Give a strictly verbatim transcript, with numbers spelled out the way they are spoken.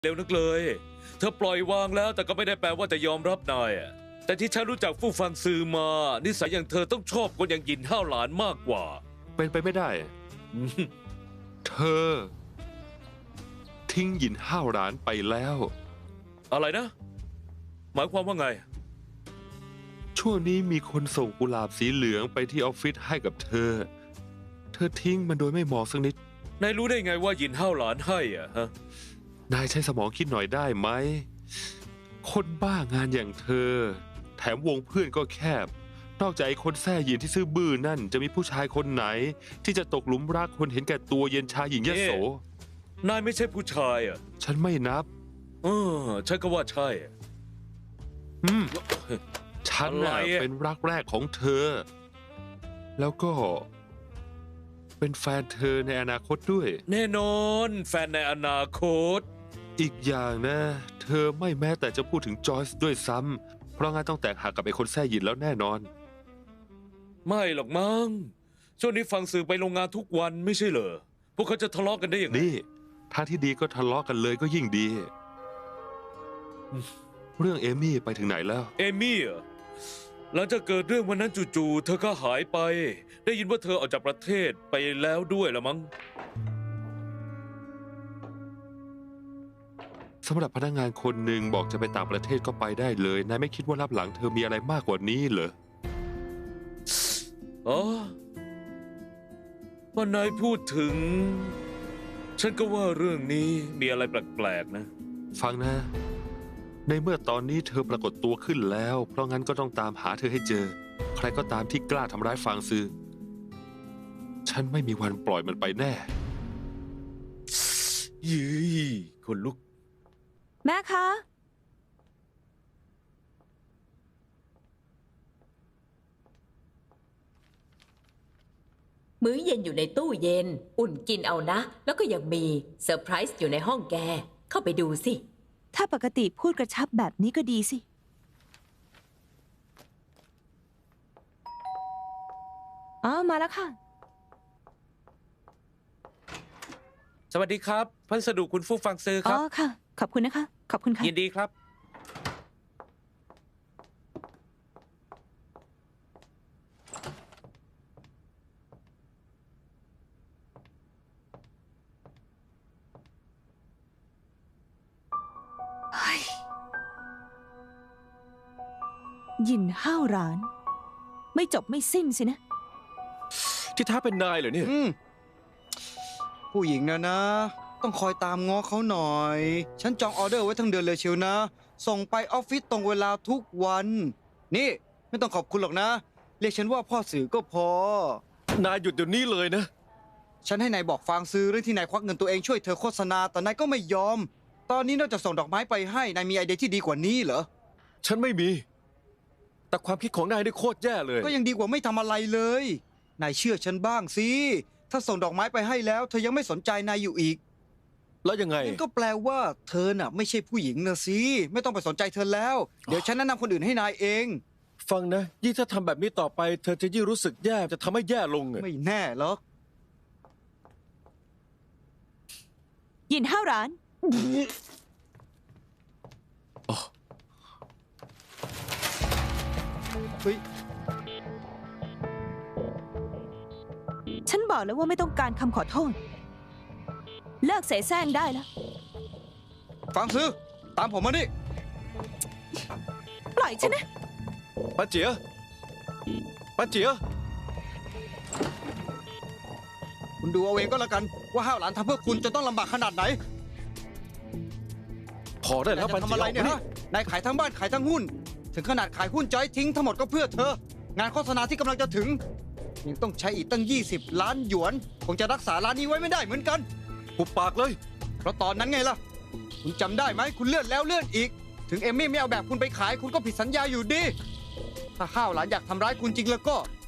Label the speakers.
Speaker 1: เร็วนักเลยเธอปล่อยวางแล้วแต่ก็ไม่ได้แปลว่าจะยอมรับนายอะแต่ที่ฉันรู้จักฟู่ฟังซือมานิสัยอย่างเธอต้องชอบคนอย่างหยินห้าวหลานมากกว่า
Speaker 2: เป็นไปไม่ได้ เธอ ทิ้งหยินห้าวหลานไปแล้ว
Speaker 1: อะไรนะ หมายความว่าไง
Speaker 2: ช่วงนี้มีคนส่งกุหลาบสีเหลืองไปที่ออฟฟิศให้กับเธอ เธอทิ้งมันโดยไม่มองสักนิด
Speaker 1: นายรู้ได้ไงว่าหยินห้าวหลานให้อ่ะฮะ
Speaker 2: นายใช้สมองคิดหน่อยได้ไหม คนบ้างานอย่างเธอ แถมวงเพื่อนก็แคบ นอกจากไอ้คนแท้หยินที่ซื่อบื้อนั่นจะมีผู้ชายคนไหน ที่จะตกหลุมรักคนเห็นแก่ตัวเย็นชาหญิงยโส
Speaker 1: นายไม่ใช่ผู้ชายอ่ะ
Speaker 2: ฉันไม่นับ
Speaker 1: เออฉันก็ว่าใช่
Speaker 2: อืม ฉันน่ะ
Speaker 1: อะไรอะ
Speaker 2: เป็นรักแรกของเธอ แล้วก็ เป็นแฟนเธอในอนาคตด้วย
Speaker 1: แน่นอนแฟนในอนาคต
Speaker 2: อีกอย่างนะ เธอไม่แม้แต่จะพูดถึงจอยส์ด้วยซ้ำเพราะงั้นต้องแตกหักกับไอ้คนแท้หยินแล้วแน่นอน
Speaker 1: ไม่หรอกมั้งช่วงนี้ฟังสื่อไปโรงงานทุกวันไม่ใช่เหรอพวกเขาจะทะเลาะกันได้ยังไง
Speaker 2: นี่ทางที่ดีก็ทะเลาะกันเลยก็ยิ่งดี เรื่องเอมี่ไปถึงไหนแล้ว
Speaker 1: เอมี่เหรอหลังจากเกิดเรื่องวันนั้นจู่ๆเธอก็หายไป ได้ยินว่าเธอออกจากประเทศไปแล้วด้วยละมั้ง
Speaker 2: สำหรับพนักงานคนหนึ่งบอกจะไปต่างประเทศก็ไปได้เลย นายไม่คิดว่ารับหลังเธอมีอะไรมากกว่านี้เหรอ
Speaker 1: อ๋อพอนายพูดถึง ฉันก็ว่าเรื่องนี้มีอะไรแปลกๆนะ
Speaker 2: ฟังนะ ในเมื่อตอนนี้เธอปรากฏตัวขึ้นแล้ว เพราะงั้นก็ต้องตามหาเธอให้เจอ ใครก็ตามที่กล้าทำร้ายฟางซือ ฉันไม่มีวันปล่อยมันไปแน่
Speaker 1: ยืยคนลุก
Speaker 3: แม่คะ
Speaker 4: มื้อเย็นอยู่ในตู้เย็น อุ่นกินเอานะ แล้วก็ยังมีเซอร์ไพรส์อยู่ในห้องแก เข้าไปดูสิ
Speaker 3: ถ้าปกติพูดกระชับแบบนี้ก็ดีสิ อ๋อ มาแล้วค่ะ
Speaker 1: สวัสดีครับพัสดุคุณฟู่ฟังซือค
Speaker 3: อ๋
Speaker 1: รั
Speaker 3: อบ ค่ะ ขอบคุณนะคะ ขอบคุณค่ะ
Speaker 1: ยินดีครับ
Speaker 3: หยินห้าวร้าน ไม่จบไม่สิ้นสินะ
Speaker 5: ที่ท้าเป็นนายเหรอเนี่ย
Speaker 6: อืมผู้หญิงนะนะ ต้องคอยตามง้อเขาหน่อย ฉันจองออเดอร์ไว้ทั้งเดือนเลยเชียวนะ ส่งไปออฟฟิศตรงเวลาทุกวัน นี่ไม่ต้องขอบคุณหรอกนะ เรียกฉันว่าพ่อสื่อก็พอ
Speaker 5: นายหยุดเดี๋ยวนี้เลยนะ
Speaker 6: ฉันให้นายบอกฟางซื้อเรื่องที่นายควักเงินตัวเองช่วยเธอโฆษณาแต่นายก็ไม่ยอม ตอนนี้นอกจากส่งดอกไม้ไปให้นายมีไอเดียที่ดีกว่านี้เหรอ
Speaker 5: ฉันไม่มี แต่ความคิดของนายนี่โคตรแย่เลย
Speaker 6: ก็ยังดีกว่าไม่ทำอะไรเลยนายเชื่อฉันบ้างสิถ้าส่งดอกไม้ไปให้แล้วเธอยังไม่สนใจนายอยู่อีก
Speaker 5: แล้วยังไง
Speaker 6: งั้นก็แปลว่าเธอน่ะไม่ใช่ผู้หญิงนะสิไม่ต้องไปสนใจเธอแล้ว เดี๋ยวฉันแนะนำคนอื่นให้นายเอง
Speaker 5: ฟังนะ ยิ่งถ้าทำแบบนี้ต่อไป เธอจะยิ่งรู้สึกแย่ จะทำให้แย่ลงอะ
Speaker 6: ไม่แน่หรอก
Speaker 3: หยินห้าวร้าน
Speaker 6: เฮ้ย
Speaker 3: ฉันบอกแล้วว่าไม่ต้องการคำขอโทษ เลิกเสแสร้งได้แล้ว
Speaker 6: ฟังซื้อตามผมมานี่
Speaker 3: ปล่อยฉันนะ
Speaker 5: ป้าเจียป้าเจีย
Speaker 6: คุณดูเอาเองก็แล้วกันว่าห้าวหลานทำเพื่อคุณจะต้องลำบากขนาดไหน
Speaker 5: พอได้แล้ว
Speaker 6: นาย
Speaker 5: ป้า
Speaker 6: จะ
Speaker 5: เจี
Speaker 6: ทำ
Speaker 5: ย
Speaker 6: อะไรเนี่ย
Speaker 5: อา
Speaker 6: ฮะนายขายทั้งบ้านขายทั้งหุ้น ถึงขนาดขายหุ้นจอยทิ้งทั้งหมดก็เพื่อเธอ งานโฆษณาที่กำลังจะถึงยังต้องใช้อีกตั้ง ยี่สิบ ล้านหยวนคงจะรักษาร้านนี้ไว้ไม่ได้เหมือนกัน
Speaker 5: หุบปากเลย
Speaker 6: เพราะตอนนั้นไงล่ะ คุณจำได้ไหมคุณเลื่อนแล้วเลื่อนอีก ถึงเอมมี่ไม่เอาแบบคุณไปขายคุณก็ผิดสัญญาอยู่ดี ถ้าห้าวหลานอยากทำร้ายคุณจริงแล้วก็